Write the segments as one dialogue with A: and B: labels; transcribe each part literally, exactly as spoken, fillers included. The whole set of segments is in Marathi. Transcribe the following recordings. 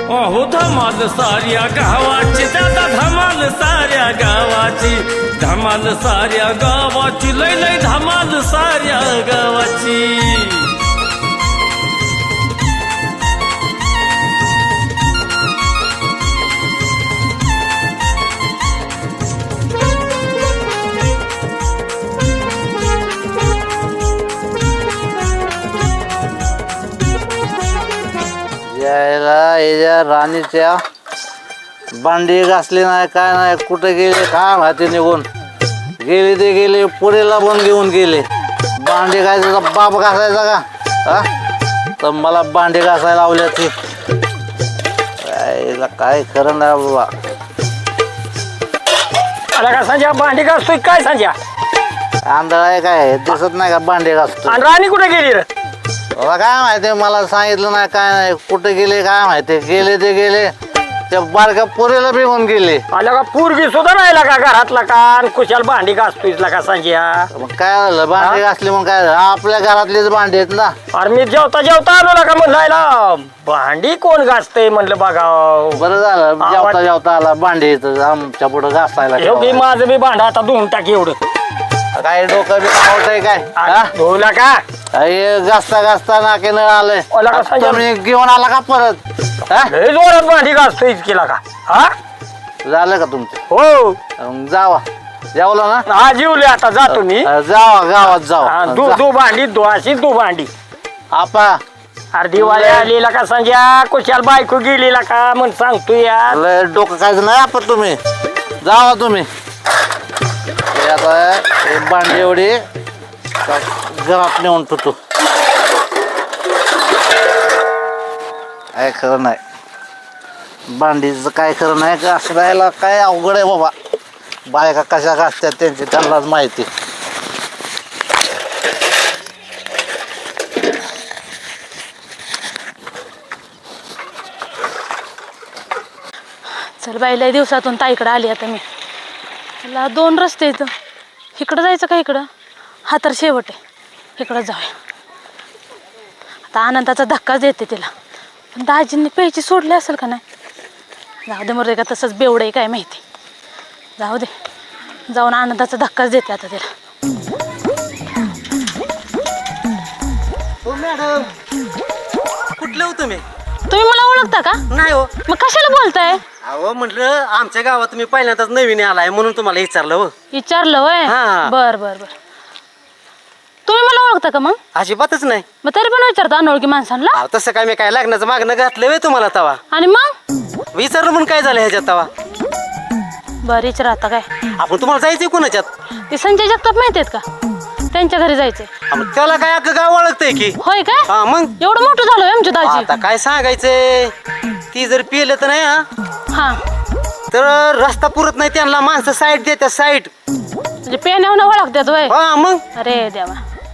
A: अहो धमाल साऱ्या गावाची दादा धमाल साऱ्या गावाची धमाल साऱ्या गावाची लय लय धमाल साऱ्या गावाची
B: यायला याच्या राणीच्या बांडी घासली नाही काय नाही कुठे गेले काय माहिती निघून गेले ते गेले पुढेला पण घेऊन गेले बांडी घासायचा बाप घासायचा का हा तर मला बांडी घासायला लावल्या ती यायला काय खरं नाही बाबा.
C: आला का संजय भांडी घासतोय काय संजय
B: आंधळा आहे काय दिसत नाही का बांडी घासतो
C: आणि राणी कुठे गेली रे
B: बाबा काय माहिती मला सांगितलं नाही काय नाही कुठे गेले काय माहिती गेले ते गेले त्या बारक्या पुरेला बिघून गेले.
C: आला का पूर्वी सुद्धा राहिला का घरातला का आणि कुशाल भांडी घासतोय का संजय
B: मग काय झालं भांडी घासली मग काय झालं आपल्या घरातलीच भांडी आहेत ना.
C: अरे मी जेवता जेवता आलो ना का म्हणलायला भांडी कोण घासतय म्हणलं बघा
B: बरं झालं जेवता जेवता आला भांडी इथं आमच्या पुढं घासायला
C: एवढी माझं बी भांड आता धुवून टाक एवढं
B: काय डोकं बी आवडतंय काय हा?
C: धुवला का
B: हे घासता घासता नाके नळ आलंय
C: ओला कसा
B: तुम्ही घेऊन आला का परत हा?
C: लय जोरात भांडी घासतोय केला का हा
B: झालं का तुमचं
C: हो
B: मग जावा जेवलं ना
C: हा जीवले आता जातो मी
B: जावा गावात
C: हा,
B: जावा
C: दू
B: जा.
C: दू भांडी दू अशी दू भांडी
B: आपा
C: अरे दिवाळी आलेला का संजय कुशाल बायको गेलेला का म्हणून सांगतो यार
B: लय डोकं खायचं नाही आपण तुम्ही जावा तुम्ही हे आता हे भांडी एवढी घरात नेऊन ठेवतो काय खरं नाही भांडीचं काय खरं नाही का असं राहायला काय अवघड आहे बाबा बायका कशा घासतात त्यांची त्यांनाच माहिती.
D: चल बाई लय दिवसातून ताईकडे आली आता मी मला दोन रस्ते इथं इकडं जायचं का इकडं हा तर शेवट आहे इकडं जाऊया आता आनंदाचा धक्काच देते तिला पण दाजींनी प्यायची सोडली असेल का नाही जाऊ दे मरे का तसंच बेवडं आहे काय माहिती जाऊ दे जाऊन आनंदाचा धक्काच देते आता तिला.
E: हो मॅडम कुठलं हो तुम्ही
D: तुम्ही मला ओळखता का
E: नाही हो
D: मग कशाला बोलताय
E: अहो म्हटलं आमच्या गावात तुम्ही पहिल्यांदाच नवीन आलाय म्हणून तुम्हाला विचारलं हो
D: विचारलं वय
E: हा.
D: बर बर बर तुम्ही मला ओळखता का मग
E: अजिबातच नाही
D: मग तरी पण विचारता अनोळखी माणसांना
E: अहो तसं काय मी काय लग्नाचं मागणं घातलं वे तुम्हाला तवा
D: आणि मग
E: विचारलं म्हणून काय झालं ह्याच्यात तवा
D: बरं विचार आता काय
E: आपण तुम्हाला जायचंय कोणाच्यात
D: ते संजय जगताप माहित आहेत का त्यांच्या घरी जायचंय
E: अहो, मग त्याला काय अख्खं गाव ओळखतंय की
D: होय काय
E: हा मग
D: एवढं मोठं झालं आमच्या दाजी
E: आता काय सांगायचंय ती जर पिलं तर नाही हा
D: हा
E: तर रस्ता पुरत नाही त्यांना माणसं साईड देतात साईड
D: म्हणजे पेण्यावर ओळखतात वय
E: हा मग
D: अरे देवा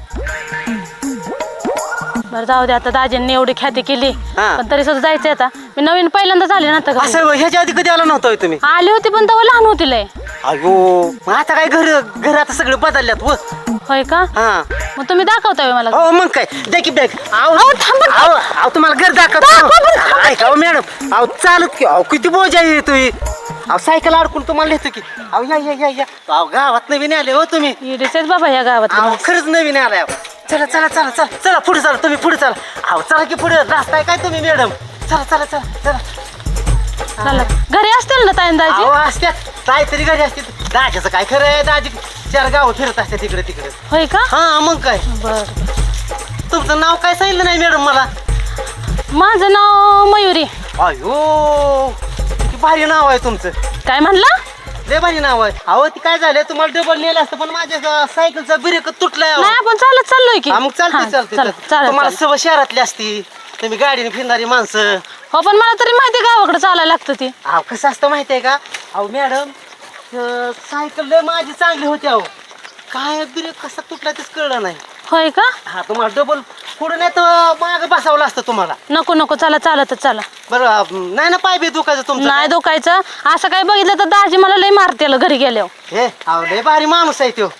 D: बरं जाऊ दे आता दाजींनी एवढी ख्याती केली
E: हा.
D: पण तरी सुद्धा जायचंय आता मी नवीन पहिल्यांदा झाले ना आता घरी.
E: असं ह्याच्या आधी कधी आला नव्हता होय तुम्ही
D: आली होती पण तेव्हा लहान होती लय
E: अयो मग आता काय घर घर आता सगळं बदलल्यात व
D: होय का
E: हा
D: मग तुम्ही दाखवताय मला
E: हो मग काय द्या की बॅग
D: अहो, थांबा, थांबा.
E: अहो तुम्हाला घर
D: दाखवा, बरं,
E: दाखवतो ऐका हो मॅडम अहो चालत की अहो किती बोजा आहे तुम्ही अहो सायकल अडकून तुम्हाला नेतो की अहो या या या या अहो गावात नवीन आले हो तुम्ही
D: इडेच बाबा या गावात
E: अहो खरंच नवीन आलाय अहो. चला चला चला चला चला पुढे चला तुम्ही पुढे चला अहो चला की पुढे रास्ताय काय तुम्ही मॅडम चला चला चला चला
D: चला घरी असतील ना ताईन दाजी
E: अहो असत्यात काहीतरी घरी असते दाजाचं काय खरं आहे दाजी चार गाव फिरत असते तिकडे तिकडे
D: होय का
E: हा मग काय
D: बर
E: तुमचं नाव काय सांगितलं नाही मॅडम मला
D: माझं नाव मयुरी
E: अयो किती भारी नाव आहे तुमचं
D: काय म्हणला
E: लय भारी नाव आहे अहो ती काय झालं तुम्हाला डबल नेलं असतं पण माझ्या सायकलचा ब्रेक तुटलाय अहो.
D: नाही आपण चालत चाललोय की
E: हा, मग चालते
D: हा,
E: चालते
D: चला,
E: चालते.
D: चालेल,
E: तुम्हाला
D: चालेल.
E: सवय शहरातली असती तुम्ही गाडीने फिरणारी माणसं
D: हो पण मला तरी माहिती गावाकडे चालायला लागतं ती
E: अहो कसं असतं माहिती आहे का अहो मॅडम अं, सायकल लय माझी चांगली होती अहो काय ब्रेक कसा तुटला तेच कळलं नाही
D: होय का
E: हा तुम्हाला डबल पुढे नाही तर माग बसावं असतं तुम्हाला
D: नको नको चला चालतच चला
E: बरं अं, नाही ना पाय बी दुखायचं तुमचं
D: नाही दुखायचं असं काय बघितलं तर दाजी मला लय मारते घरी गेल्यावर
E: हे अहो लय भारी माणूस आहे तो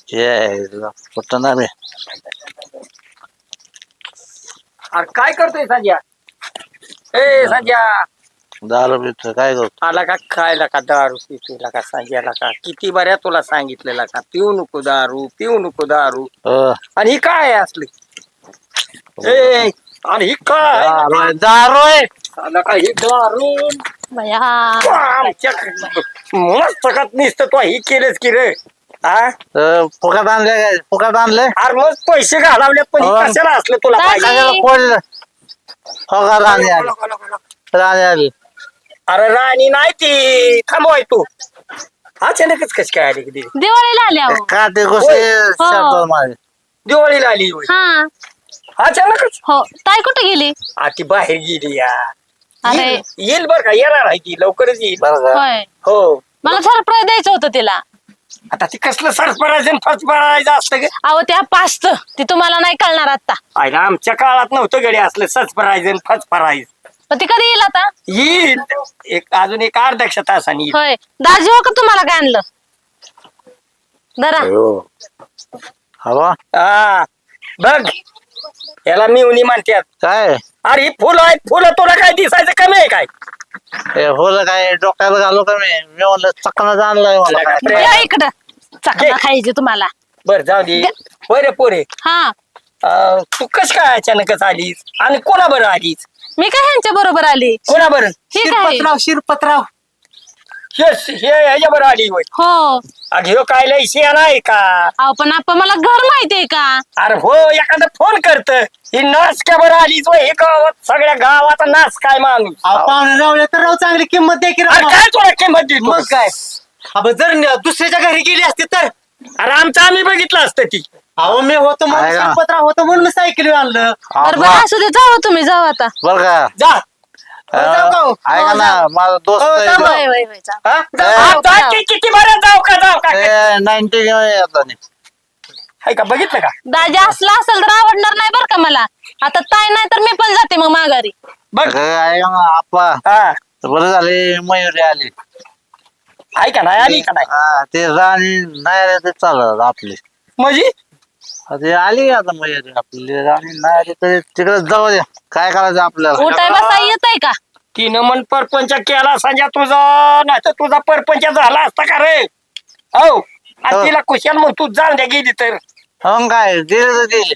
B: ये कुठं ना मी
C: अरे काय करतोय संजय? ए संजय,
B: दारू पितो काय करतो
C: आला का खायला का दारू पितोय का संजयला का? किती बऱ्या तुला सांगितलेला का पिऊ नको दारू, पिऊ नको दारू.
B: अ,
C: आणि ही काय आहे असली? ए आणि ही काय
B: दारू आहे, दारू आहे.
C: आला का ही दारू?
D: बया
C: आमच्या मस्त का निसतं तू ही केलेस की रे? हा
B: अ, फुकट आणले काय फुकट आणले
C: अरे मग पैसे घालावले पण हे
B: हो.
C: कशाला असलं तुला पाहिजे?
B: कशाला फोडलं फुकट राणी आली राणी आली
C: अरे राणी नाही ती थांबवाय तू अचानकच कशी काय आली कधी?
D: दिवाळीला आले अहो
B: काटे गोष्टी
D: हो.
B: शब्द माझे
C: दिवाळीला आली होय.
D: हा
C: अचानकच
D: हो ताई कुठे गेली?
C: आ ती बाहेर गेली या.
D: अरे
C: येईल येईल बर का, येणार आहे ती लवकरच येईल.
B: बरं का
D: होय
C: हो
D: मला सरप्राईज द्यायचं होतं तिला.
C: आता ती कसलं सरपरायचं फर्स्ट पडायचं असतं ग?
D: अहो त्या पाचत ती तुम्हाला नाही कळणार आता.
C: आयला आमच्या काळात नव्हतं गडी असलं सचपरायचं फर्स्ट पडायचं.
D: पण ती कधी येईल आता?
C: येईल एक अजून एक अर्ध्या तासाने येईल.
D: होय दाजी हो का तुम्हाला काय आणलं? जरा
B: हवा
C: हा बघ याला मिवणी म्हणतात.
B: काय
C: अरे ही फुलं आहेत, फुलं तुला काय दिसायचं कमी आहे काय?
B: हे होलं काय डोक्याला घालू का मी मी म्हणलं चकना आणलाय मला काय
D: या इकडं चकना खायची तुम्हाला.
C: बर जाऊ दे. बरे पोरे
D: हा
C: अं, तू कश काय अचानकच आलीस आणि कोणा बरं आलीस?
D: मी काय ह्यांच्या बरोबर आली.
C: कोणा बरं?
D: हे काय
E: शिरपतराव शिरपतराव
C: हे हे ह्याच्या बरं आली होय.
D: हो
C: अग ह्यो काय लय शियाना आहे का?
D: अहो पण आपण मला घर माहितीये का?
C: अरे हो एखादं फोन करत ही नाच क्या बरं आलीच वय हे गावात सगळ्या गावाचा नाच काय माणूस.
E: अहो, पाहुणे रावले तर राव चांगली किंमत द्या की
C: अरे
E: राव.
C: काय तुला किंमत देतो?
E: मग काय अबे जर न- दुसऱ्याच्या घरी गेली असती तर
C: अरे आमचं आम्ही बघितलं असतं ती.
E: अहो मी होतो म्हणून
B: आहे का?
E: शिरपतराव होतो म्हणून मी सायकल आणलं.
D: बरं बरं असू दे जाऊ तुम्ही जाऊ आता.
B: बर का
C: जा
E: हो, जाऊ का हो?
B: ऐका
E: हो,
B: ना
E: जाऊ.
B: माझा दोस्त
E: हो, जाऊ.
D: होय, होय, होय, जाऊ.
E: हा?
C: हा, जा की किती बरं जाऊ का जाऊ का
B: नाईन्टी येतात
C: हाय का बघितलं का?
D: दाजी असला असेल तर आवडणार नाही बरं का मला. आता ताई नाही तर मी पण जाते मग माघारी.
C: बघ
B: ऐका ना आप्पा
C: हा
B: बरं झाले मयुरी आली
C: आहे का नाही आली का नाही
B: हा, ते राणी नाही आले ते चालत आपली
C: म्हणजे
B: ते आली आता मयुरी आपली राणी नाही आली तरी तिकडे जाऊ द्या काय करायचं आपल्याला
D: उठाय बसाय येत आहे का?
C: तिनं मन परपंच केला संजय तुझा नाही तर तुझा परपंच झाला असता का रे? हो आणि
B: हो.
C: तिला कुशाल मग तू जाऊन द्या गेली तर
B: हो काय गेले तर गेले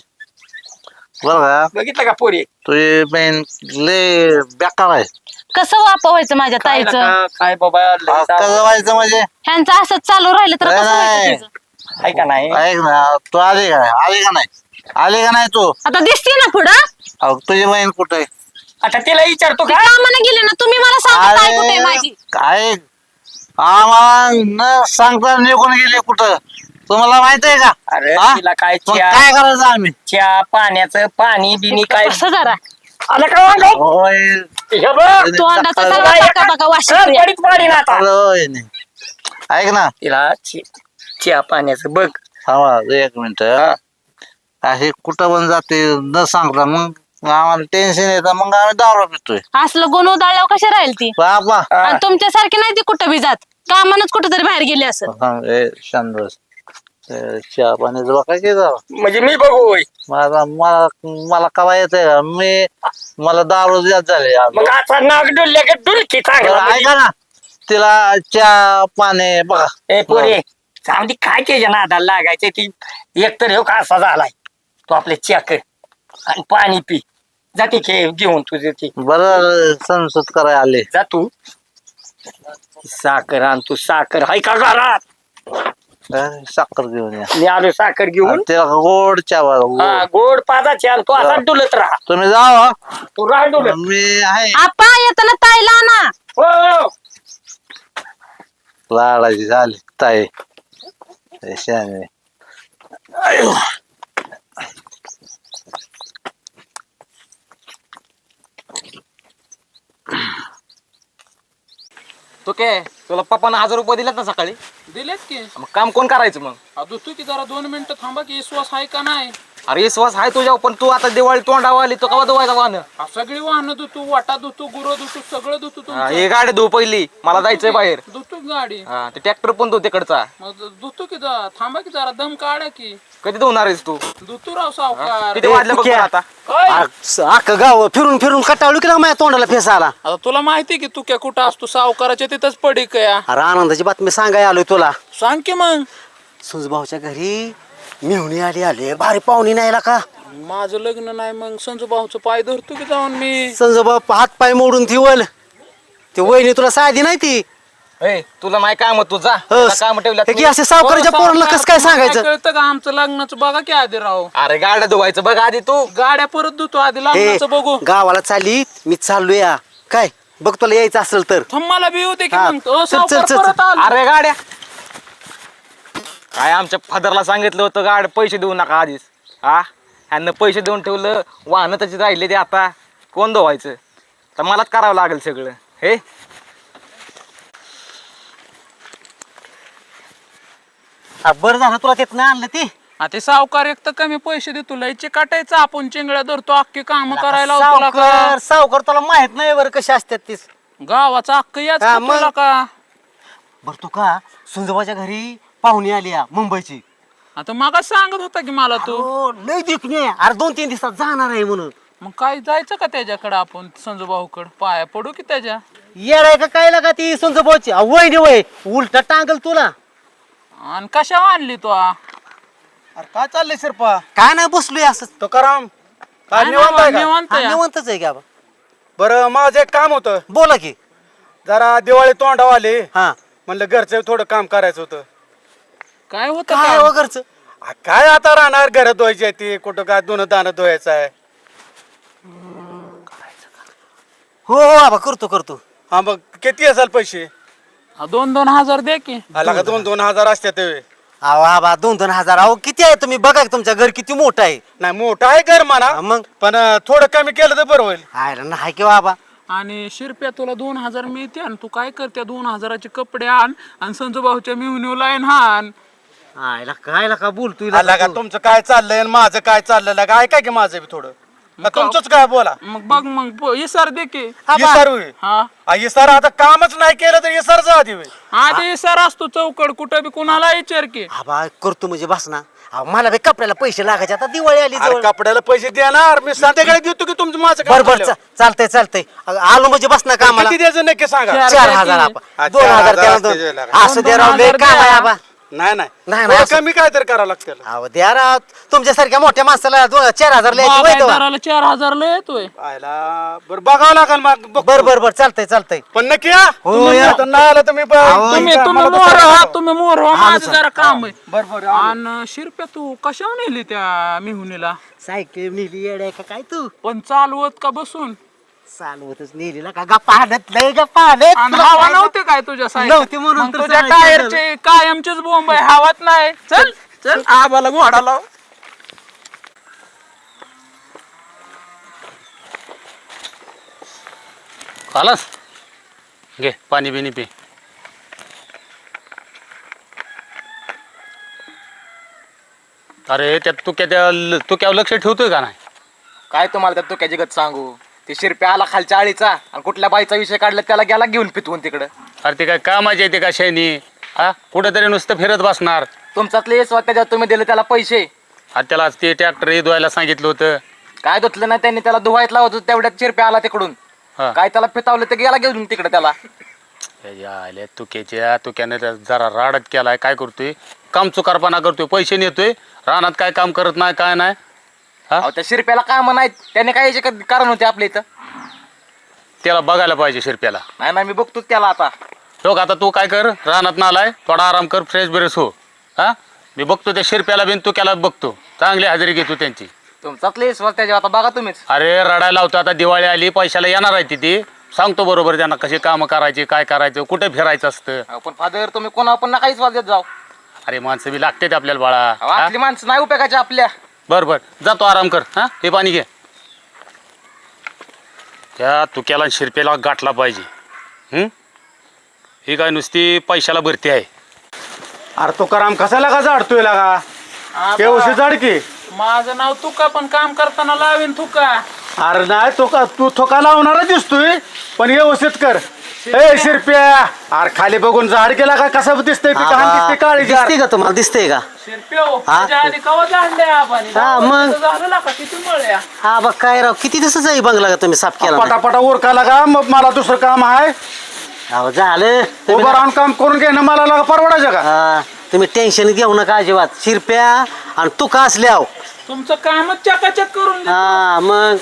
B: बरं का
C: बघितलं का पोरी?
B: तुझी बहीण लय बेकार आहे
D: कसं वापवायचं माझ्या
C: काय
D: ताईचं?
C: नका, काय बाबा लय
B: हा, कसं
C: जाऊ.
B: व्हायचं म्हणजे
D: ह्यांचं असंच चालू राहिलं तर
B: नाही,
D: कसं व्हायचं
B: नाही.
D: तिचं?
C: आहे का नाही?
B: ऐक ना तू आली का आली का नाही आली का नाही तू
D: आता दिसते ना पुढं.
B: अहो, तुझी बहीण कुठे आहे?
C: आता तिला विचारतो
D: ती
C: का?
D: कामाने गेली ना तुम्ही मला सांगा ताई कुठे आहे
B: अरे
D: माझी.
B: काय आम्हाला न सांगता निघून गेले कुठं तुम्हाला माहित आहे का
C: अरे
B: हा?
C: तिला काय
B: मग
C: चहा
B: काय करायचं आम्ही
C: चहा पाण्याचं पाणी बिनी काय
D: कसं जरा
C: आलं का वांग?
B: होय
C: हे बघ,
D: तो अंडाचा
B: अरे,
D: सर्व टाका बघा वाशी
C: खरं पडीत पाडी ना आता.
B: होय नाही. ऐक ना
C: तिला चे- चहा पाण्याचं बघ.
B: थांबा एक मिनिट
C: हा.
B: असे कुठं पण जाते न सांगता मग आम्हाला टेन्शन येतं मग आम्ही दारू पितोय
D: असलं गुण उधळल्यावर कशी राहील ती?
B: बाबा
C: हा.
D: आणि तुमच्यासारखी नाही ती कुठं बी जात. कामानच कुठं तरी बाहेर गेली असं.
B: थांब, ए, शांत बस. ए, चहा पाण्याचं बघा की जावं
C: म्हणजे मी बघू होय.
B: मला मला मला कवा येतंय का मी मला दारू जात झाले
C: मग आता नाग डुलल्या का डुलकी चांगला म्हणजे.
B: ऐका ना तिला चहा पाणी बघा
C: ए पोरे चांगली काय त्याच्या नादाला लागायचं ती एकतर हो का असा झालाय तो आपले चेक आणि पाणी पी जाते खे घेऊन तुझे ती
B: बरं संसद करायला आले
C: जा तू साखर आण तू साखर हाय का घरात?
B: अं, साखर घेऊन या
C: मी आलो साखर घेऊन.
B: आणि तिला गोड चहा बघा, गोड.
C: हा गोड पादाचे आण तू असा डुलत राहा
B: तुम्ही जावा
C: तू राहा डुलत.
B: मी आहे
D: आपा येताना ताईला ना.
C: हो, हो.
B: लाडाची झाली ताई शाने
F: तो काय तुला पप्पानं हजार रुपये दिलेत ना सकाळी
G: दिलेत की
F: मग काम कोण करायचं मग
G: अहो, तू की जरा दोन मिनिटं थांबा की विश्वास आहे का नाही?
F: अरे विश्वास आहे तुझ्या पण तू आता दिवाळी तोंडावर आली तो कवा धुवायचा वाहन
G: आ, सगळी वाहनं धुतो वाटा धुतो गुरं धुतो सगळं धुतो तुमचं.
F: हे गाडी धुव पहिली मला जायचंय बाहेर
G: धुतो गाडी
F: हा ते ट्रॅक्टर पण धुव तिकडचा
G: मग धुतो की जा थांबा की जरा दम काढा की
F: कधी धुवणार आहेस तू
G: धुतो राव सावकार.
F: किती वाजले बघ बरं आता
G: काय?
E: अख्खं गाव फिरून फिरून कटाळू की ना माझ्या तोंडाला फेस आला.
G: आता तुला माहिती की तू क्या कुठं असतो सावकाराच्या तिथंच पडी कया
E: अरे आनंदाची बातमी सांगाय आलोय तुला.
G: सांग की मग.
E: सुजभाऊच्या घरी मेहुणी आली आले भारी पाहुणी नाही का.
G: माझं लग्न नाही मग संजू भाऊचं पाय धरतो की जाऊन मी.
E: संजोबा हात पाय मोडून ती वल ती वहिनी तुला साधी नाही ती.
F: ए तुला नाही काम तू जा
E: हो,
F: काम ठेवलं
E: हे की असे सावकाराच्या पोरांना कसं काय सांगायचं.
G: कळतं का आमचं लग्नाचं बघा की आधी राव.
F: अरे गाड्या धुवायचं बघ आधी तू
G: गाड्या परत धुतो आधी
E: हे
G: लग्नाचं बघू.
E: गावाला चालली मी चाललो या काय बघ तुला यायचं असेल तर.
G: थांब मला बी होते की
E: हा,
G: मग ओ,
E: चल,
G: सावकार
E: चल, चल,
G: परत आलो.
F: अरे गाड्या काय आमच्या फादरला सांगितलं होतं गाड पैसे देऊ नका आधीच हा ह्यांना पैसे देऊन ठेवलं वाहनं त्याची राहिले ते आता कोण धुवायचं तर मलाच करावं लागेल सगळं हे
E: हा, बरं झालं तुला तिथनं आणलं ती.
G: आ, ते सावकार एक तर कमी पैसे देतो लयचे काटायचं आपण चिंगड्या धरतो अख्खी काम करायला लावतो तुला का.
E: सावकार सावकार तुला माहित नाही बरं कशी असतात तीच.
G: गावाचं अख्ख याच
E: हा,
G: का
E: मग.
G: तुला का.
E: बरं तू का सुंजोबाच्या घरी पाहुणी आली या मुंबईची.
G: आता मग सांगत होता की मला तू.
E: हो लय दिखणे अरे दोन तीन दिवसात जाणार आहे म्हणून.
G: मग काय जायचं का त्याच्याकडे आपण संजू भाऊकडे पाया पडू की त्याच्या.
E: येडाय का काय लागा ती सुंजोबाची वय वय उलट टांगल तुला.
G: आणि कशा आणली तू आ?
H: अरे काय चाललंय शिरपा
E: काय नाही बसलोय असं.
H: तो कराम काय
G: काय
H: निवांत आहे
G: नाव,
H: का?
G: निवांत
E: हा,
G: आहे.
E: निवांतच आहे की आबा.
H: बरं माझं एक काम होतं
E: बोला की.
H: जरा दिवाळी तोंडावर आली
E: हा
H: म्हणलं घरचं थोडं काम करायचं होतं.
G: काय होतं
E: काय
G: का?
E: वगैरच.
H: आ, काय आता राहणार घरात धुवायची आहे ती कुठं काय दोन दाणं धुवायचं आहे.
E: हो हो आबा करतो करतो.
H: हा मग किती असाल पैसे
G: हा, दोन दोन हजार दे की.
H: आला का दोन दोन हजार असते ते
E: अहो आबा दोन दोन हजार अहो किती आहे तुम्ही बघा की तुमच्या घर किती मोठं आहे.
H: नाही मोठं आहे घर म्हणा
E: हा, मग
H: पण अं, थोडं कमी केलं तर बरं होईल.
E: हाय ना नाही किंवा आबा.
G: आणि शिरप्या तुला दोन हजार मिळते आणि तू काय करते दोन हजाराचे कपडे आण आणि संजू भाऊच्या मिळून लाईन हान.
E: आयला काय लका बोलतोय
H: आला
E: लका
H: का
E: तू.
H: तुमचं काय चाललंय आणि माझं काय चाललंय लगा ऐका की माझं बी थोडं का तुमचंच काय बोला
G: मग बघ मग ब- इसार दे की.
H: इसार होय
G: हा
H: इसार आता कामच नाही केलं तर इसार जा आधी होय.
G: आधी इसार असतो चौकड कुठं बी कुणाला विचार की.
E: आबा करतो म्हणजे बस ना. अहो मला बी कपड्याला पैसे लागायचे आता दिवाळी आली
H: अरे
E: जवळ.
H: कपड्याला पैसे देणार मी संध्याकाळी देतो की तुमचं माझं काम
E: बर बर
H: झाल्यावर.
E: चा- चालतंय चालतंय अ, आलो म्हणजे बस ना कामाला.
H: किती द्यायचं नक्की सांगा
G: चार
E: चार
G: द्या
E: हजार
G: की.
E: आबा.
H: हा,
E: दोन
H: चार
E: हजार
H: हजार
E: त्याला
H: असते
E: दोन.
H: जे लागा.
E: असं
G: दोन-
E: द्या
G: दोन
E: राव लय
G: हजार
E: काम आहे
G: द्या.
E: आबा.
H: नाही नाही
E: नाही,
H: थोडं
E: असं-
H: कमी काय तर करावं लागतं
E: अहो द्या राव तुमच्यासारख्या मोठ्या माणसाला दोन चार हजार लिहायची वय तेव्हा.
G: बागायतदाराला चार हजार लय येतोय.
H: आयला बरं बघावं लागेल मग बघतो.
E: बर बर बर चालतंय चालतंय.
H: पण नक्की या
E: हो,
H: तुम्ही
E: या.
H: आता नाही आलं तर मी ब-
E: अहो,
G: तुम्ही
H: मला
G: तुम्ही
H: तर
G: मोर
H: सांगा.
G: व्हा तुम्ही मोर व्हा माझं जरा काम आहे.
H: बरं बरं
G: आणि शिरप्या तू कशावर नेली त्या मिहुनीला
E: सायकल नेली येडाय का काय तू.
G: पण चालवत का बसून.
E: चालवतच नेली ना का गप्पा हाणत लय गप्पा हाणत.
G: आणि
E: तुला
G: हवा
E: काय-
G: नव्हते काय तुझ्या साईड
E: नव्हती म्हणून तर
G: तुझ्या
E: सांगायचं
G: टायरचे कायमचेच बोंब आहे हवात नाही. चल चल आबाला घोडा लाव.
A: खालास घे पाणी बिनी पी. अरे त्यात तू क्या त्या तू क्या लक्ष ठेवतोय का नाही.
F: काय तुम्हाला त्या तुक्याची गत सांगू ते शिरप्या आला खालच्या आळीचा आणि कुठल्या बाईचा विषय काढला त्याला गेला घेऊन पितवून तिकडं
A: अरे ते काय कामाचे येते का शैनी हा कुठेतरी नुसतं फिरत बसणार.
F: तुमच्यातले स्वतःच्या तुम्ही दिले त्याला पैसे
A: आता त्याला ते ट्रॅक्टर धुवायला सांगितलं होतं.
F: काय धुतलं नाही त्यांनी त्याला धुवायत लावत होतं तेवढ्यात शिरप्या आला तिकडून
A: हा.
F: काय त्याला पितावलं ते गेला घेऊन तिकडे त्याला
A: आले तुक्याच्या तुक्याने त्या जरा राडत केलाय काय करतोय काम चुकारपणा करतोय पैसे नेतोय रानात काय काम करत नाही काय नाही. हा
F: अहो, त्या शिरप्याला काम नाहीत त्याने काय याचे का- कारण होते आपल्या इथं
A: त्याला बघायला पाहिजे शिरप्याला.
F: नाही ना मी बघतोच त्याला आता
A: लोक आता तू काय कर रानात नालाय थोडा आराम कर फ्रेश ब्रेश हो. हा मी बघतो त्या शिरप्याला बिन तुक्याला बघतो चांगली हजेरी घेतो त्यांची.
F: तुमचातले विश्वास त्याच्यावर आता बघा तुम्हीच
A: अरे रडायला लावतो आता दिवाळी आली पैशाला येणार आहे ती सांगतो बरोबर त्यांना कशी कामं करायची काय करायचं कुठे फिरायचं असतं.
F: अहो, पण फादर तुम्ही कोणा पण नका विश्वास देत जाऊ
A: अरे माणसं बी लागते आपल्याला बाळा.
F: अहो,
A: हा?
F: आपली माणसं नाही उपयोगाची आपल्या
A: बर बर जातो आराम कर हा हे पाणी घे. त्या तुक्याला आणि शिरप्याला गाठला पाहिजे. हम्म ही काय नुसती पैशाला भरती आहे.
H: अरे तो कराम कसा लागा जाडतोय लागा केवशी जाड की
G: माझं नाव तुका, पण काम करताना लावीन तुका.
H: अरे नाही तो का तू थोका लावणारा दिसतोय पण व्यवस्थित कर. ए शिरप्या, अरे खाली बघून झाड गेला का कसं दिसतंय पिका दिसते काळी जार.
E: दिसते का तुम्हाला दिसतंय का?
G: शिरप्यो, त्याच्या आधी कवा जाणले आपण
E: हा, मग?
G: झालं का किती मळ्या.
E: हा बघ काय राव, किती दिवसाचा आहे बंगला का तुम्ही साफ केला नाही?
H: पटापटा उरका लागा, मग मला दुसरं काम आहे.
E: अहो, झालं तुम्ही
H: उभं राहून काम करून घेणं मला लागा परवडायचं का?
E: हा, तुम्ही टेन्शन घेऊ नका अजिबात. शिरप्या आणि तू का असल्याव
G: तुमचं कामच चकाचक करून दे.
E: हा मग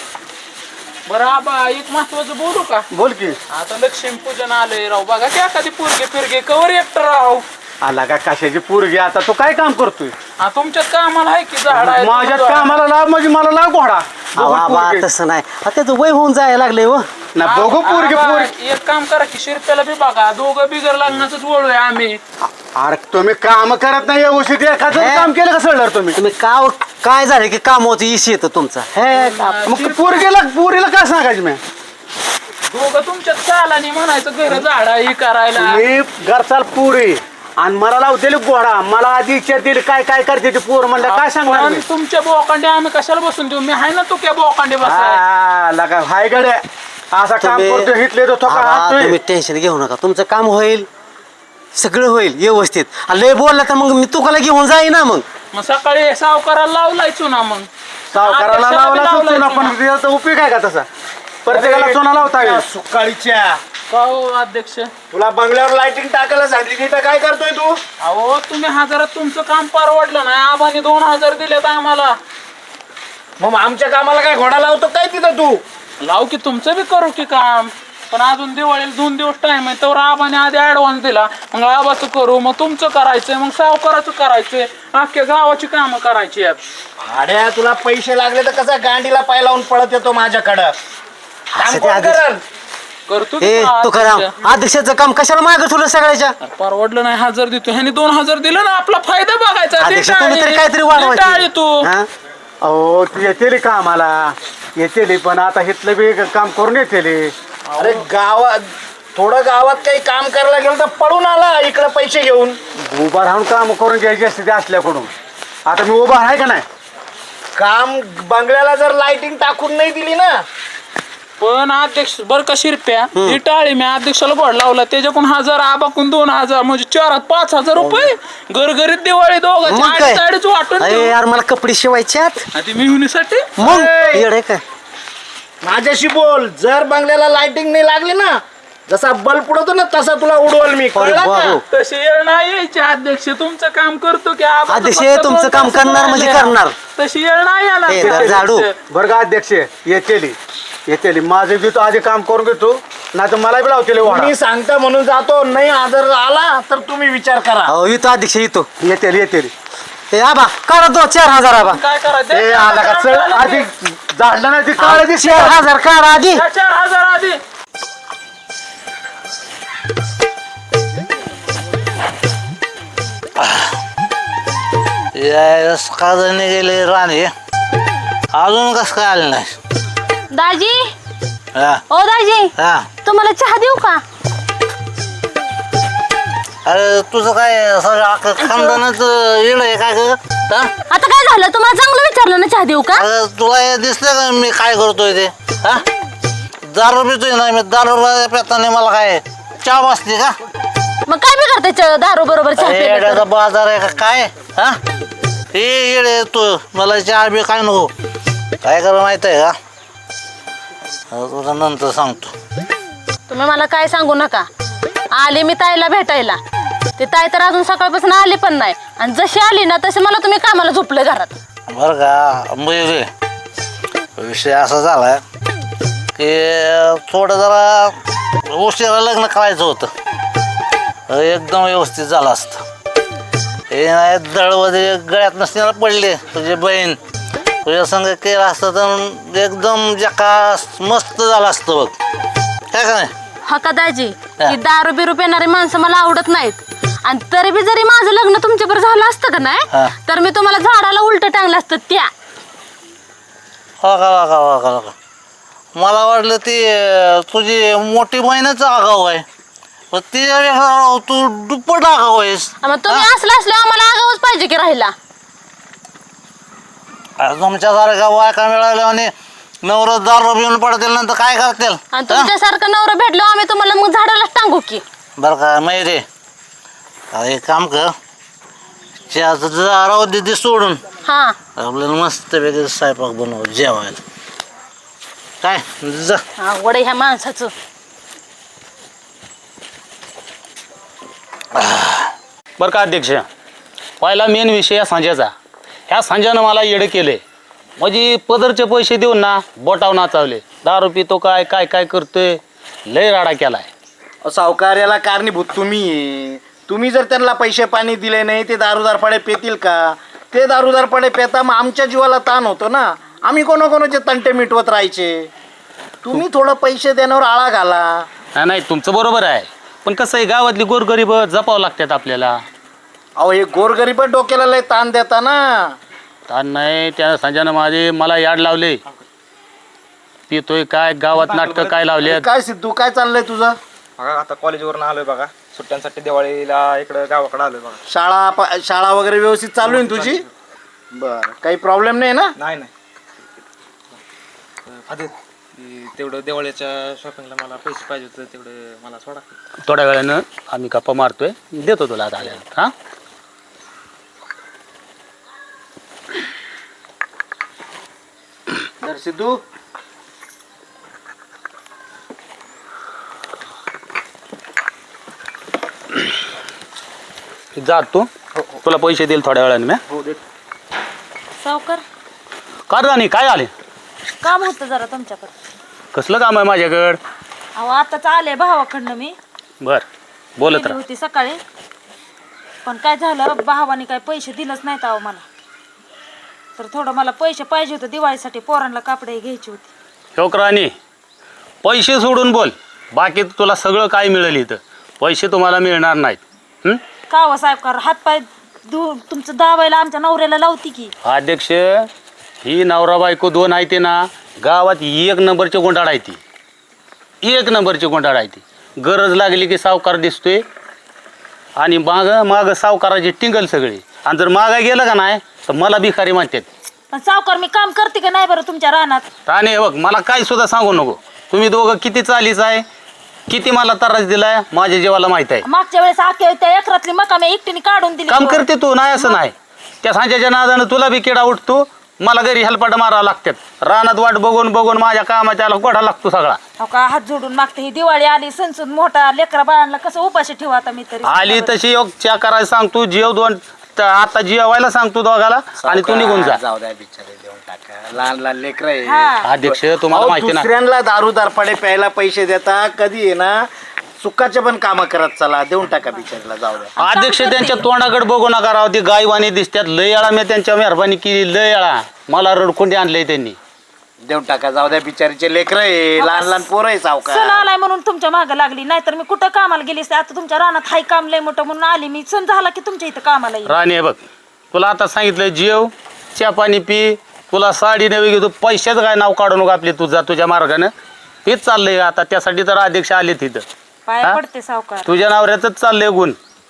G: बरं आबा, एक महत्वाचं बोलू का?
H: बोल की.
G: आता लक्ष्मी पूजन आलंय राव, बघा की एखादी पोरगे फिरगे कवर एकटं राव.
H: आला का कशाची पोरगी? आता तू काय काम करतोय?
G: हा, तुमच्यात कामाला आहे की झाड आहे
H: माझ्यात
G: झाड आहे.
H: कामाला लाव म्हणजे मला लाव घोडा.
E: अहो,
H: बघू
E: आबा,
H: पोरगी.
E: तसं नाही आता त्याचं वय होऊन जायला लागले हो.
H: ना बघू पोरगी
G: आबा,
H: पोरगी.
G: एक काम करा की शिरप्याला बी बघा, दोघं बिगर लग्नाचंच वळूय आम्ही.
H: अरे तुम्ही काम करत नाही व्यवस्थित. एखादं
E: हे?
H: काम केलं का सळणार तुम्ही?
E: तुम्ही का काय झालं की काम होतं इशी येतं तुमचा हे का-
H: मग पोरगीला पोरीला काय सांगायचं मी?
G: दोघं तुमच्यात चालानी म्हणायचं घर झाडा हे करायला.
H: मी घरचाल पुरी आणि मला लावतेली घोडा. मला आधी इच्छा दिली काय काय करते ती पोर म्हणलं काय सांगणार
G: पण
H: मी?
G: तुमच्या बोकांडे आम्ही कशाला बसून देऊ? मी आहे ना तू क्या बोकांडे बसाय.
H: हा, लगा हाय गड्या असा काम
E: तुम्ही-
H: करतो हिटले तो थोका
E: आबा,
H: हातोय.
E: तुम्ही टेन्शन घेऊ नका, तुमचं काम होईल, सगळं होईल व्यवस्थित. आणि लय बोलला तर मग मी तुकाला घेऊन जाईन ना. मग
G: मग सकाळी सावकाराला लावलाय चुना. मग
H: सावकाराला
G: अध्यक्षाला
H: लावला
G: बी लावलाय
H: चुना,
G: चुना.
H: पण त्याचा उपयोग आहे का तसा? प्रत्येकाला चुना लावता येईल.
I: सुकाळीच्या
G: का हो अध्यक्ष?
I: तुला बंगल्यावर लाइटिंग टाकायला सांगितली तिथं काय करतोय तू?
G: अहो, तुम्ही हजारात तुमचं काम परवडलं नाही, आबाने दोन हजार दिलेत आम्हाला.
I: मग आमच्या कामाला काय घोडा लावतो काय तिथं तू?
G: लाव की तुमचं बी करू की काम, पण अजून दिवाळीला दोन दिवस टाइम आहे, तर आबाने आधी ऍडव्हान्स दिला. मग आबाचं करू, मग तुमचं करायचंय, मग सावकाराचं करायचंय, अख्ख्या गावाची कामं करायची आहेत.
I: भाड्या तुला पैसे लागले तर कसा गांडीला पाय लावून पळत येतो माझ्याकडं? काम
E: असं ते
I: कोण
E: आधीच-
I: करल?
G: करतो
E: हे
G: की
E: तू करा
G: अध्यक्ष.
E: अध्यक्षाचं काम कशाला मागं ठेवलं सगळ्याच्या?
G: परवडलं नाही, हजार देतो ह्याने दोन हजार दिलं ना, आपला फायदा बघायचा. ते
E: अध्यक्ष तुम्ही तरी
G: टाळी-
E: काहीतरी
G: ते
E: वाढवायची
G: टाळी तू.
E: हा?
H: अहो ती येतेली कामाला येतेली, पण आता हिथलं बी काम करून येतेली.
I: अरे गावात थोडं गावात काही काम करायला गेलं तर पळून आला इकडे पैसे घेऊन.
H: उभा राहून काम करून घ्यायची असते ते असल्याकडून. आता मी उभा आहे का नाही?
I: काम बंगल्याला जर लाइटिंग टाकून नाही दिली ना,
G: पण अध्यक्ष बर का शिरप्या, ही टाळी मी अध्यक्षाला बोर्ड लावला, त्याच्याकडून हजार, आबाकून दोन हजार, म्हणजे चार पाच हजार रुपये घरघरीत दिवाळी दोघांची
E: मग काय?
G: अडीच अडीच वाटून
E: अरे
G: देऊ.
E: यार मला कपडे शिवायच्यात.
G: आणि मिळवणीसाठी
E: मग येडे काय
I: माझ्याशी बोल. जर बंगल्याला लाइटिंग नाही लागली ना, जसा बल्ब उडवतो ना तसा तुला उडवल मी,
E: अरे
I: कळलं का?
E: बाबू.
G: तशी येळ नाही यायची अध्यक्ष, तुमचं काम करतो की आबाचं
E: अध्यक्ष,
G: फक्त
E: तुमचं
G: दोन
E: काम
G: तास
E: करणार म्हणजे
G: राहिले.
E: करणार.
G: तशी येळ नाही येणार
E: हे
G: ते
E: धर झाडू.
G: अध्यक्ष.
H: बरं का अध्यक्ष? येतेली येतेली माझं बी तो आधी काम करून घेतो, नाही तर मला बी लावतेली वाडा.
I: मी सांगता म्हणून जातो, नाही जर आला तर तुम्ही विचार करा.
E: अहो येतो अध्यक्ष येतो.
H: येतेली येतेली.
E: हे आबा काढा दो चार हजार आबा.
G: काय करायचं?
H: ए आला का चल आधी झाडलं नाही ती काळ दिसली.
E: चार हजार काढा आधी.
G: त्या चार हजार आधी
B: काजने गेले राणे, अजून कस काय आले नाही?
D: दाजी,
B: हा
D: ओ दाजी,
B: हा.
D: तुम्हाला चहा देऊ का?
B: अरे तुझं काय सगळं अख्खं खानदानच येड आहे काय ग? हा?
D: आता काय झालं, तुम्हाला चांगलं विचारलं ना, चहा देऊ का?
B: अरे तुला हे दिसलं का मी काय करतोय ते? हा दारू पितोय ना मी, दारू पिताना मला काय चहा बसली का?
D: मग काय बी करते च- दारू बरोबर चहा
B: अरे
D: पिलं तर?
B: येड्याचा बाजार आहे का काय? हा हे येडे तू, मला चहा बी काय नको. काय कर माहित आहे का? आता तुला नंतर सांगतो.
D: तुम्ही मला काय सांगू नका. आले मी ताईला भेटायला, ते ताई तर अजून सकाळपासून आली पण नाही, आणि जशी आली ना तसे मला तुम्ही कामाला झोपले घरात.
B: बरं का म्हणजे विषय असा झाला की थोडं जरा उशिरा लग्न करायचं होतं, एकदम व्यवस्थित झालं असतं. हे नाही दळवजे गळ्यात नसण्याला पडले, तुझी बहीण तुझ्या संग केलं असतं तर एकदम जकास मस्त झालं असतं बघ, काय का नाही?
D: हा का दाजी, ही दारू बिरू पिणारी माणसं मला आवडत नाहीत. आणि तरी बी जरी माझं लग्न तुमच्याबरोबर झालं असतं का
B: हा.
D: नाही, तर मी तुम्हाला झाडाला उलट टांगलं असतं त्या.
B: हो का हो का हो का हो का. मला वाटलं ती अं, तुझी मोठी बहीणच आगाव आहे, पण ती तू दुप्पट आगाव आहेस.
D: मग तुम्ही असलं असलं आम्हाला आगावच पाहिजे की राहिला.
B: अरे तुमच्यासारखा बायका मिळाल्या आणि नवरा दारू पिऊन पडतील नंतर काय करतील?
D: आणि तुमच्यासारखं नवरा भेटलो आम्ही तुम्हाला मग झाडालाच टांगू की.
B: बरं का माहिती एक काम कर, चहाचं राहू दे ते सोडून
D: हा
B: आपल्याला मस्त वेगळं स्वयंपाक बनव जेवायला. काय जा.
D: आवड आहे ह्या माणसाचं.
J: बरं का अध्यक्ष, पहिला मेन विषय या सांज्याचा. ह्या सांज्यानं मला येडं केले, म्हणजे पदरचे पैसे देऊन ना बोटाव नाचावले. दारू पितो काय काय काय करतोय, लय राडा केलाय.
I: अहो, सावकार्याला कारणीभूत तुम्ही आहे. तुम्ही जर त्यांना पैसे पाणी दिले नाही ते दारूदारपणे पेतील का? ते दारूदारपणे पेता मग आमच्या जीवाला ताण होतो ना. आम्ही कोणाकोणाचे तंटे मिटवत राहायचे. तुम्ही थोडं पैसे देण्यावर आळा घाला.
J: नाही नाही तुमचं बरोबर आहे, पण कसं आहे गावातली गोरगरीब जपावं लागतात आपल्याला.
I: अहो हे गोरगरीब डोक्याला लय ताण देता ना.
J: ताण नाही, त्या संजयनं माझे मला याड लावले. पितोय काय, गावात नाटकं काय लावले.
I: काय सिद्धू काय चाललंय तुझं?
F: बघा आता कॉलेजवरून आलोय बघा, सुट्ट्यांसाठी दिवाळीला इकडं गावाकडे आलोय बघा.
I: शाळा प- शाळा वगैरे व्यवस्थित चालू आहे ना तुझी? बरं, काही प्रॉब्लेम नाही ना?
F: नाही नाही आधी तेवढं दिवाळीच्या शॉपिंगला मला पैसे पाहिजे होते, तेवढे मला सोडा.
J: थोड्या वेळानं आम्ही गप्पा मारतोय, देतो तुला आता आल्यावर. हां
I: तर सिद्धू
J: जा तू, तुला पैसे देईल थोड्या वेळाने. मी
D: सावकार
J: का राणी काय आले?
D: काम होतं जरा तुमच्याकडे.
J: कसलं काम आहे माझ्याकडं?
D: अहो आताच आले भावाकडनं मी.
J: बर बोलत
D: गेली
J: राहा.
D: होती सकाळी, पण काय झालं भावाने काय पैसे दिलंच नाहीत अहो मला. तर थोडं मला पैसे पाहिजे होते दिवाळीसाठी, पोरांना कापडे घ्यायची होती.
J: शोक राणी, पैसे सोडून बोल, बाकी तुला सगळं काय मिळेल इथं. पैसे तुम्हाला मिळणार नाहीत. हं?
D: का हो साहेबकार, हातपाय दु तुमचं दावायला आमच्या नवऱ्याला लावती की.
J: अध्यक्ष, ही नवरा बायको दोन आहे ते ना, गावात एक नंबरचे गोंडाळ आहे ती. एक नंबरचे गोंडाळ आहे ती. गरज लागली की सावकार दिसतोय आणि माग माग सावकाराची टिंगल सगळी. आणि जर मागा गेलं का नाही तर मला भिकारी म्हणतात.
D: पण सावकार मी काम करते का नाही बरं तुमच्या रानात?
J: राणे बघ, मला काय सुद्धा सांगू नको. तुम्ही दोघं किती चालीच आहे, किती मला त्रास दिलाय, माझ्या जीवाला माहित आहे.
D: मागच्या वेळेस आख्या त्या एकरातली मका मी एकटीने काढून दिली.
J: काम करते तू, नाही असं नाही. त्या सांच्याच्या नादानं तुला बी किडा उठतो, मला घरी हेलपाट मारावं लागतात. रानात वाट बघून बघून माझ्या कामाच्या गोडा लागतो सगळा.
D: हो का, हात जोडून मागते. ही दिवाळी आली, सणसून मोठा, लेकरा बाळांना कसं उपाशी ठेवा आता मी तरी.
J: आली तशी योग च्या करायला सांगतो, जेव दोन त- आता जेवायला सांगतो दोघाला आणि तू निघून जा.
I: जाऊ द्या बिचारे, देऊन टाका. लहान लहान लेकर आहे.
D: हा.
J: अध्यक्ष तुम्हाला
I: अहो,
J: माहिती ना,
I: दुसऱ्यांना दारूदारपणे प्यायला पैसे देता, कधी आहे ना सुखाचे पण काम करत चला. देऊन टाका बिचारीला, जाऊ द्या.
J: अध्यक्ष त्यांच्या तोंडाकडे बघू नका राव, ती गायवानी दिसतात. लय याळा मी त्यांच्या मेहरबानी केली, लय याळा मला रडकुंडी आणलंय त्यांनी.
I: देऊन टाका, जाऊ द्या. बिचारीचे लेकर आहे, लहान लहान पोरं आहे.
D: सण
I: सावकार
D: आलाय म्हणून तुमच्या मागे लागली, नाहीतर मी कुठं कामाला गेली असते. आता तुमच्या रानात हाय काम लय मोठं म्हणून आली मी. सण झाला की तुमच्या इथं कामाला येईल.
J: राणी बघ, तुला आता सांगितलं जेव, चहा पाणी पी, तुला साडी नवी घेतो. पैशाचं काय नाव काढू नको आपले, तुझा तुझ्या मार्गानं हेच चाललंय आता. त्यासाठी तर अध्यक्ष आले तिथं.
D: पाय
J: हा?
D: पडते सावकार.
J: तुझ्या नवऱ्याचंच चाललंय गुण.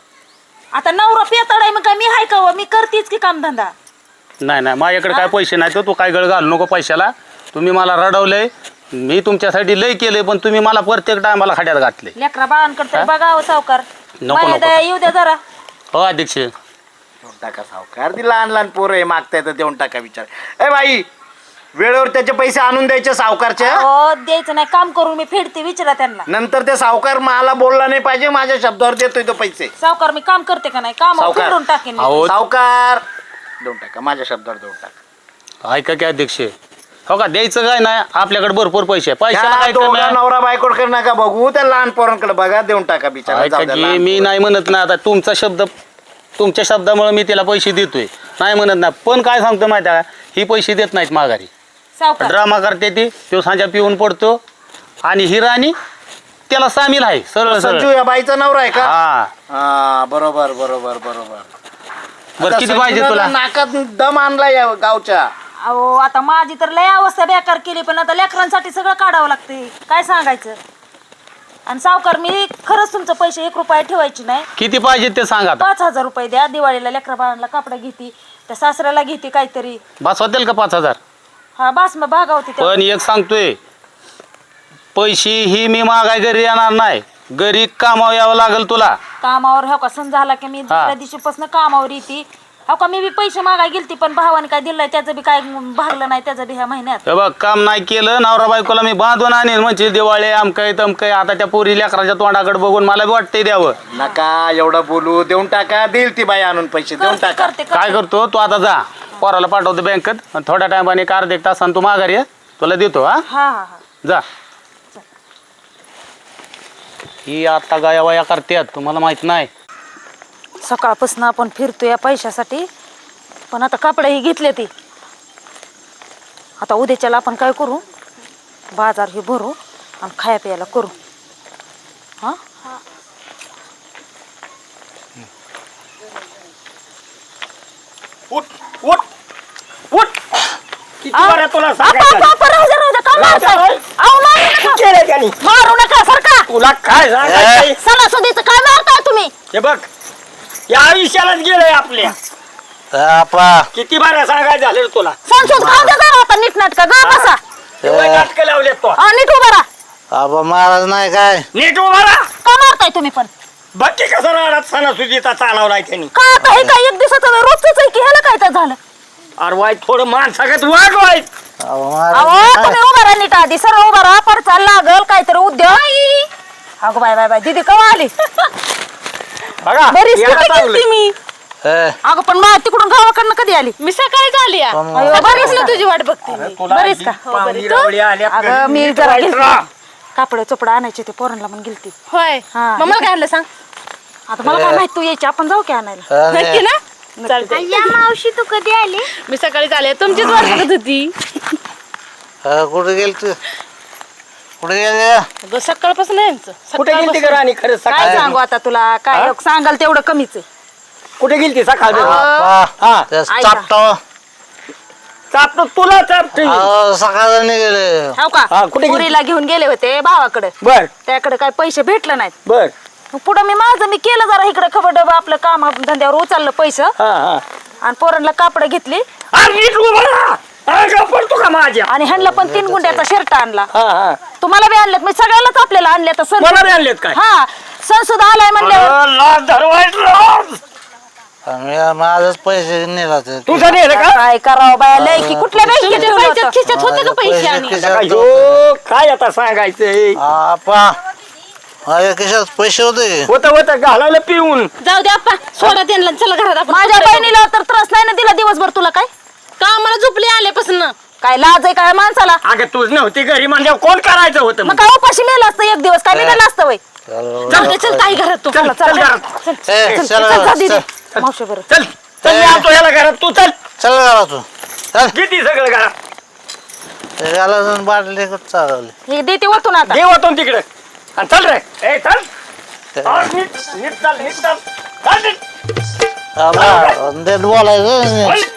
D: आता नवरा पेताड आहे मग काय मी हाय का हो? मी करतेच की काम धंदा.
J: नाही नाही माझ्याकडे काय पैसे नाही, तर तू काय गळ घालू नको पैशाला. तुम्ही मला रडवलंय, मी तुमच्यासाठी लय केलंय, पण तुम्ही मला प्रत्येक टायमाला खाड्यात घातले.
D: लेकरा बाळांकडे तरी बघावं सावकार.
J: नको,
D: माया
J: नको.
D: दया येऊ द्या जरा.
J: हो अध्यक्ष,
I: देऊन टाका सावकार. ती लहान लहान पोरं आहे, मागताय तर देऊन टाका. विचार ए बाई, वेळेवर त्याचे पैसे आणून द्यायचे सावकारच्या.
D: हो द्यायचं नाही, काम करून मी फेडते. विचारा त्यांना.
I: नंतर ते सावकार मला बोलला नाही पाहिजे, माझ्या शब्दावर देतोय तो पैसे.
D: सावकार मी काम करते का नाही, काम
I: सावकार.
D: फेडून टाकेन मी.
J: अहो
I: सावकार देऊन टाका, माझ्या शब्दावर देऊन टाका.
J: ऐका की अध्यक्ष, हो का द्यायचं काय नाही, आपल्याकडे भरपूर पैसे आहे. पैशाला
I: त्या
J: काय कमी
I: दोघा
J: आहे?
I: नवरा बायकोकडे नका बघू, त्या लहान पोरांकडे बघा. देऊन टाका बिचारा,
J: ऐका
I: जाऊ द्या
J: की
I: लहान
J: मी
I: पोरं.
J: नाही म्हणत ना, आता तुमचा शब्द, तुमच्या शब्दामुळे मी तिला पैसे देतोय, नाही म्हणत ना. पण काय सांगतो माहिती आहे का, ही पैसे देत नाहीत माघारी.
D: सावकार
J: ड्रामा करते ती, तो सांजा पिऊन पडतो आणि ही राणी त्याला सामील आहे. सरळ
I: संजू
J: सरळ
I: या बाईचा नवरा आहे का?
J: हा.
I: हा बरोबर बरोबर बरोबर.
J: बरं
I: आता
J: किती पाहिजे
I: संजूनं
J: तुला?
I: नाकात दम आणला या गावच्या.
D: अहो आता माझी तर लय अवस्था बेकार केली, पण आता लेकरांसाठी सगळं काढावं लागते. काय सांगायचं. आणि सावकार मी खरंच तुमचं पैसे एक रुपया ठेवायची नाही.
J: किती पाहिजे ते सांगा आता.
D: पाच हजार रुपये द्या, दिवाळीला लेकरा बाळांना कापडं घेते. त्या सासऱ्याला घेते काहीतरी.
J: बस होतील का पाच हजार?
D: हा बास मग भागावती त्या.
J: पण एक सांगतोय, पैसे ही मी मागाय घरी येणार नाही, घरी कामावर यावं लागेल तुला.
D: कामावर हो का सण झाला की मी दुसऱ्या दिवशीपासून कामावर येते. हो का मी बी पैसे मागाय गेलती पण भावाने काय दिलंय त्याचं बी काय भागलं नाही त्याचं बी ह्या महिन्यात.
J: हे बघ काम नाही केलं नवरा बायकोला मी बांधून आणीन म्हणजे दिवाळी आमकय तमकय. आता त्या पोरी लेकराच्या तोंडाकडे बघून मला बी वाटतंय द्यावं.
I: नका एवढं बोलू, देऊन टाका, देईल ती बाई आणून पैसे, देऊन
D: करते
I: टाका.
D: करते
J: काय
D: करते.
J: करतो तू आता जा, पोराला पाठवतो बँकेत आणि थोड्या टायमाने एक अर्धा एक तासानं तू माघारी ये, तुला देतो. हा
D: हा हा हा
J: जा. ही आता गाया वाया करतात तुम्हाला माहित नाही.
D: सकाळपासून आपण फिरतो या पैशासाठी पण आता कपडेही घेतले ती. आता उद्याच्याला आपण काय करू, बाजार हे भरू आणि खाया प्यायला करू. हा
C: उठ उठ उठ किती
D: आ-
C: बरं तुला
D: आपा,
C: सांगायचं.
D: आपा, आपा, राहू द्या, राहू द्या. का मारताय?
C: राहू द्या.
D: अहो, मारू नका.
C: केलं त्यांनी.
D: मारू नका सरका.
C: तुला काय सांगायचंय?
D: सणासुदीचं काय मारताय तुम्ही?
C: हे बघ या आयुष्यालाच गेलंय आपल्या.
B: आपा
C: किती बरं सांगायचं झालं रे तुला.
D: सणसूद खाऊ द्या जरा आता नीट नाटका गा बसा.
C: एवढे नाटकं लावले तो.
D: हा, नीट उभा राहा.
B: आपा महाराज नाही काय
C: नीट उभा राहा.
D: का मारताय तुम्ही पण?
C: बघ की कसं राहणार सणासुदीचा चालवलाय त्यांनी.
D: का आता हे काय एक दिवसाचं रोजच आहे की ह्याला काय तर झालं?
C: अरे वाईट थोडं माणसागत वाग वाईट.
B: अहो,
D: अहो
B: महाराज
D: तुम्ही उभा राहा नीट आधी सरळ उभा राहा परचा लागल काहीतरी उद्योग. अगो बाय बाय बाय दीदी कवा आली?
C: बघा
D: बरीच
C: याला
D: कुठे
C: चांगलं.
D: गेलती मी.
B: ए,
D: अगं पण मा तिकडून गावाकडनं कधी आली? मी सकाळी आली.
B: पण-
D: अयो, बरीच ना तुझी वाट बघते मी.
C: तुला
D: बरीच का?
C: ही पाहुणी रावळी आल्या
D: अगं
C: घरी,
D: मी
C: नीट
D: जरा
C: वाईट
D: गेलती.
C: राहा.
D: कापड चोपडा आणायचे ते पोरांना म्हणून गेलती.
K: होय
D: हा.
K: मग मला काय आणलं सांग.
D: आता मला काय माहित तू यायची आपण जाऊ की आणायला.
B: अरे,
K: नक्की ना चालतंय.
D: मावशी तू कधी आली?
K: मी सकाळीच आले तुमचीच वाट बघत होती.
B: अ, कुठे गेल तू कुठे गेले?
K: अगं, सकाळपासून आहे यांचं.
C: कुठे गेलती
K: सकाळपासून.
C: का राणी खरंच
D: काय
C: सकाळ
D: सांगू आता तुला काय सांगाल तेवढं कमीच आहे.
C: कुठे गेलती सकाळ
B: आपा
C: हा
B: तेच
D: ऐका.
B: चापटाव.
C: चापतो तुला चापतो.
B: अहो, सकाळचं निघाले.
D: हो का
C: हा, कुठे गेली?
D: पुरीला घेऊन गेले होते भावाकडे.
C: बर
D: त्याकडे काय पैसे भेटले नाहीत.
C: बर
D: मग पुढं मी माझं मी केलं जरा इकडे खबर डबा आपलं काम धंद्यावर उचललं पैसे
C: हा हा
D: आणि पोरांना कापड घेतली
C: अरे नीट उभा राहा. अरे का पडतो का माझ्या.
D: आणि ह्यांना पण तीन गुंड्याचा शर्ट आणला.
C: हा हा
D: तुम्हाला बी आणलेत मी सगळ्यालाच आपल्याला आणले तर सण
C: मला बी आणलेत काय.
D: हा सण सुद्धा आलाय म्हणल्यावर
C: अरे, लाज धरवायच लाज.
B: मी माझच पैसे नेला ते.
C: तुझं नाही का
D: काय करावं बाया लय की कुठल्या बँकेत
K: तुमच्या
D: ठेवलं
K: पैशात
D: होतं?
K: खिशात होते का पैसे
B: पैसे
K: आणि
B: खिशात
C: अयो, काय आता सांगायचंय.
B: आपा माझ्या खिशात पैसे होते की?
C: होत होत घालावलं पिऊन.
K: जाऊ दे आपा सोडा त्यांना चला घरात आपण
D: माझ्या बहिणीला तर त्रास नाही ना दिला दिवसभर तुला काय
K: का आम्हाला झोपली आल्यापासून.
D: काय लाज आहे काय माणसाला?
C: अगं तूच नव्हती घरी म्हणजे कोण करायचं होतं
D: मग
C: मग?
D: काय उपाशी मेला असतं एक दिवस काय निघालं असतं वय?
B: चल
K: जाऊ दे चल ताई घरात तू
C: चल चल घरात.
D: चल
B: ए,
D: चल,
B: चल
D: चल,
B: घरात,
D: जा दीदी.
B: चल.
D: मावशी बरं
C: चल चल मी आणतो याला घरात तू चल.
B: चल घरा तू चल.
C: किती सगळं घरात.
B: त्याला जाऊन बाटली चालवली.
D: हे देते वतून आता.
C: देवातून तिकडे आणि चल रे. ए चल. अरे, नीट नीट चाल नीट चाल. चाल नीट.
B: आपा बोलायचं
C: चल.